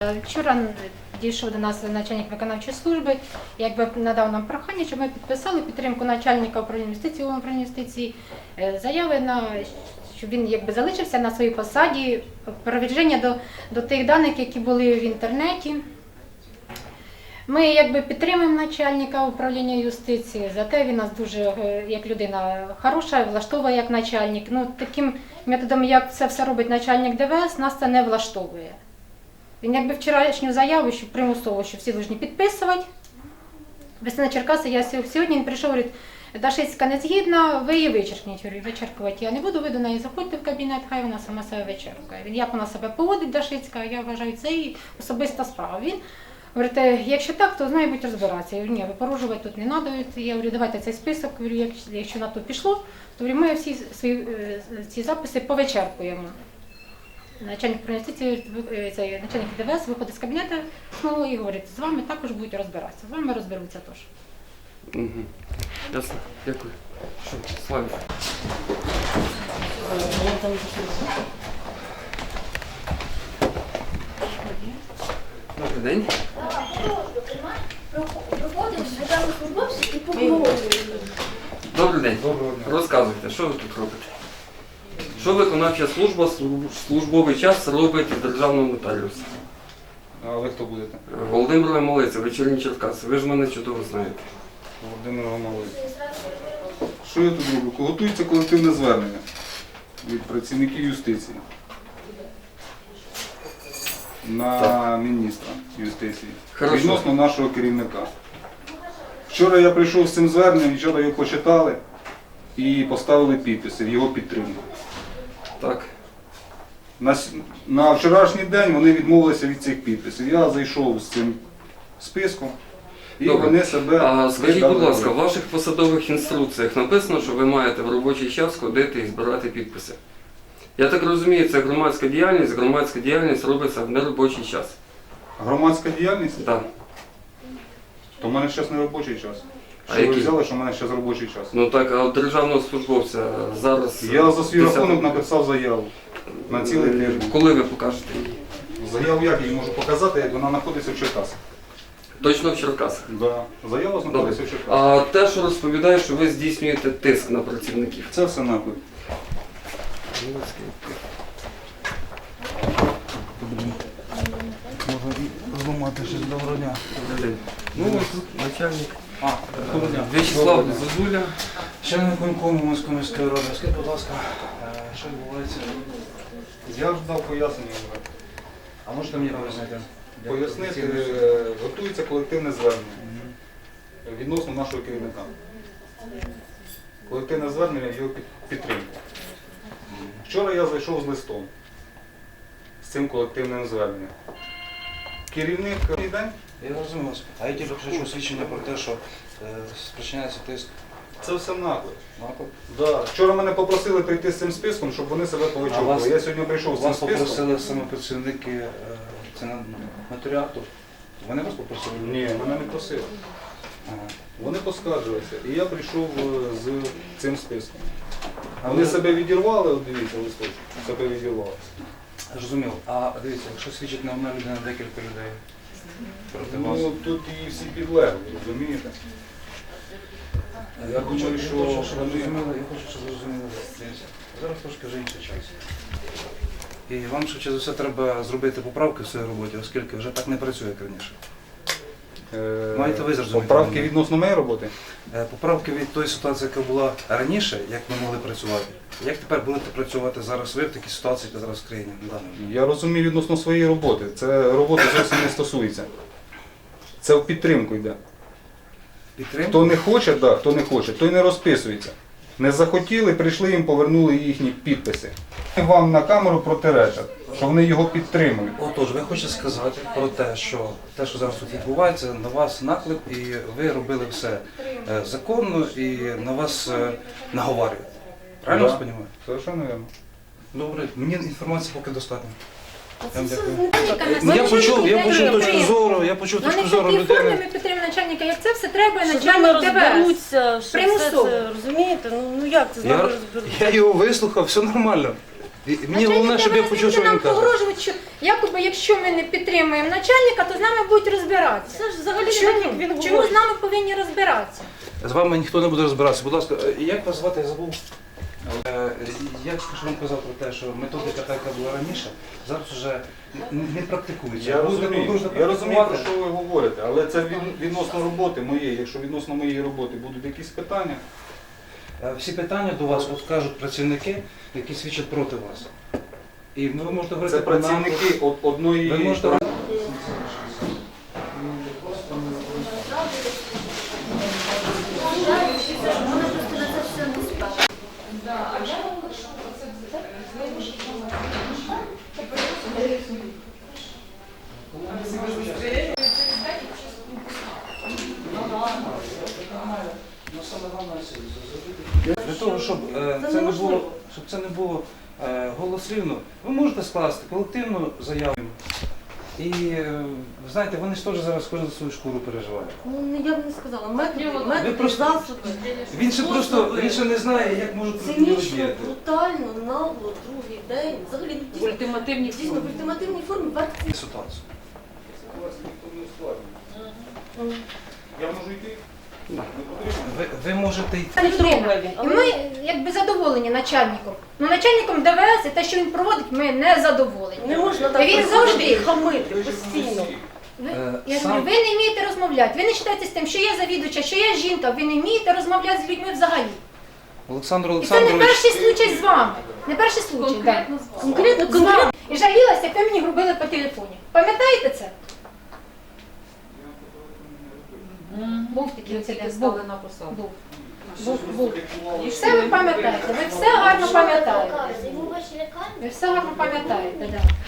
Вчора дійшов до нас начальник виконавчої служби, якби надав нам прохання, щоб ми підписали підтримку начальника управління юстиції, управління юстиції, заяви щоб він якби залишився на своїй посаді, провадження до тих даних, які були в інтернеті. Ми якби підтримуємо начальника управління юстиції, зате він нас дуже, як людина хороша, влаштовує як начальник. Таким методом, як це все робить начальник ДВС, нас це не влаштовує. Він якби вчорашню заяву, що примусово, що всі повинні підписувати. Весна Черкаси, я сьогодні він прийшов, говорить, Дашицька не згідна, ви її вичеркніть. Говорю, вичеркувати я не буду, ви до неї заходьте в кабінет, хай вона сама себе вичеркує. Він, як вона себе поводить, Дашицька, я вважаю, це її особиста справа. Він говорить, якщо так, то з нею будуть розбиратися. Я говорю, ні, ви порушувати тут не треба. Я говорю, давайте цей список, говорю, якщо на то пішло, то говорю, ми всі свої ці записи повичеркуємо. Начальник начальник ДВС виходить з кабінету знову і говорить, з вами також будуть розбиратися, з вами розберуться теж. Угу. Ясно, дякую. Що, Славі? Добрий день. Добрий день. Розказуйте, що ви тут робите? Що виконавча служба службовий час робить в державному нотаріусі? А ви хто будете? Володимир Лемолиця, Вечірні Черкаси. Ви ж мене чудово знаєте. Володимир Лемолиця. Що я тут роблю? Готується колективне звернення від працівників юстиції на міністра юстиції відносно нашого керівника. Вчора я прийшов з цим зверненням, вчора його почитали і поставили підписи в його підтримку. Так. На вчорашній день вони відмовилися від цих підписів. Я зайшов з цим списком і Добре. вони себе... Скажіть, будь ласка, в ваших посадових інструкціях написано, що ви маєте в робочий час ходити і збирати підписи. Я так розумію, це громадська діяльність робиться в неробочий час. Громадська діяльність? Так. То в мене зараз не робочий час. А Що ви який? взяли, що в мене зараз робочий час? Ну так, а у державного службовця зараз... Я за свій 10 рахунок написав заяву на цілий тиждень. Коли ви покажете її? Заяву як я її можу показати, як вона знаходиться в Черкасах? Точно в Черкасах? Да. Заява знаходиться в Черкасах. А те, що розповідає, що ви здійснюєте тиск на працівників. Це все наклик. Можна зламати щось. Доброго дня. Ну, ось тут начальник. Доброго дня. В'ячеслав Зозуля. Член виконкому Міської міської ради. Скажіть, будь ласка, що відбувається? Я ж дав пояснення. А можете мені пояснити? Пояснити, готується колективне звернення відносно нашого керівника. Колективне звернення в його підтримку. Вчора я зайшов з листом з цим колективним зверненням. Керівник день. Я розумію вас. А я тільки хочу свідчення про те, що спричиняється тиск. Це все наклик. Наклик? Да. Вчора мене попросили прийти з цим списком, щоб вони себе повичовували. Я сьогодні прийшов з цим Вас списком. попросили саме працівники нотаріату. Вони вас попросили? Ні, мене не просили. Ага. Вони поскаржилися. І я прийшов з цим списком. Вони себе відірвали, от дивіться, листочок, себе відірвали. Зрозуміло. А дивіться, якщо свідчить не одна людина, декілька людей проти вас. Ну, тут і всі підлегли, розумієте? Я думаю, що Я хочу, щоб ви зрозуміли. Зараз трошки вже інший час. І вам швидше за все треба зробити поправки в своїй роботі, оскільки вже так не працює, як раніше. Маєте ви зрозуміти. Поправки відносно моєї роботи? Поправки від тої ситуації, яка була раніше, як ми могли працювати. Як тепер будете працювати зараз ви в такій ситуації, яка зараз в країні на даний момент? Я розумію відносно своєї роботи. Це робота зовсім не стосується. Це в підтримку йде. Підтримку? Хто не хоче, да, хто не хоче, той не розписується. Не захотіли, прийшли їм, повернули їхні підписи. Вам на камеру протиречать, що вони його підтримують. Отож, ви хочете сказати про те, що зараз тут відбувається, на вас наклик, і ви робили все законно, і на вас наговарюють. Правильно я розумію? Совершенно вірно. Добре, мені інформації поки достатньо. Я вам Це дякую. начальника Я почув точку ми зору в такій людини. формі ми підтримуємо начальника, як це все треба, Що з нами начальник ДВС. розберуться, що все Примусово. це, розумієте? Ну як це з нами розберуться? Я його вислухав, все нормально. Мені головне, щоб я почув, що він нам каже. погрожують, що якоби якщо ми не підтримуємо начальника, то з нами будуть розбиратися. Це ж взагалі не Чому? так, як він Чому говорить. з нами повинні розбиратися? З вами ніхто не буде розбиратися. Будь ласка, як вас звати, я забув. Я ж вам казав про те, що методика, така, яка була раніше, зараз вже не практикується. Я Будете розумію, продовжувати я розумію, про практикувати. що ви говорите, але це відносно роботи моєї. Якщо відносно моєї роботи будуть якісь питання, Всі питання до вас от кажуть працівники, які свідчать проти вас. І ви можете говорити це про напад. працівники одної... Ви можете Для того, щоб це не було голослівно, ви можете скласти колективну заяву. І ви знаєте, вони ж теж зараз кожен за свою шкуру переживають. Ну, я б не сказала. Ви Методи, просто- засоби. Він ще просто він ще не знає, як можуть проти нього Цинічно, діяти. брутально, нагло, другий день. Взагалі, ну, дійсно, Ультимативні дійсно, в ультимативній формі верхні. Ситуацію. Я можу йти? Да. Ви можете йти. Це людина. І ми якби задоволені начальником. Ну начальником ДВС і те, що він проводить, ми не задоволені. Не можна І так він приходити завжди. і хамити постійно. Я Сам- говорю, ви не вмієте розмовляти. Ви не вважаєте з тим, що я завідувача, що я жінка, ви не вмієте розмовляти з людьми взагалі. Олександр І це не Олександрович, перший случай з вами. Не перший случай, так. Конкретно, З вами. І жалілася, як ви мені грубили по телефоні. Пам'ятаєте це? Був такий інцидент. Був. на посаду. Був. Все ви пам'ятаєте, ви все гарно пам'ятаєте. Йому ваші лікарні? Ви все гарно пам'ятаєте, так.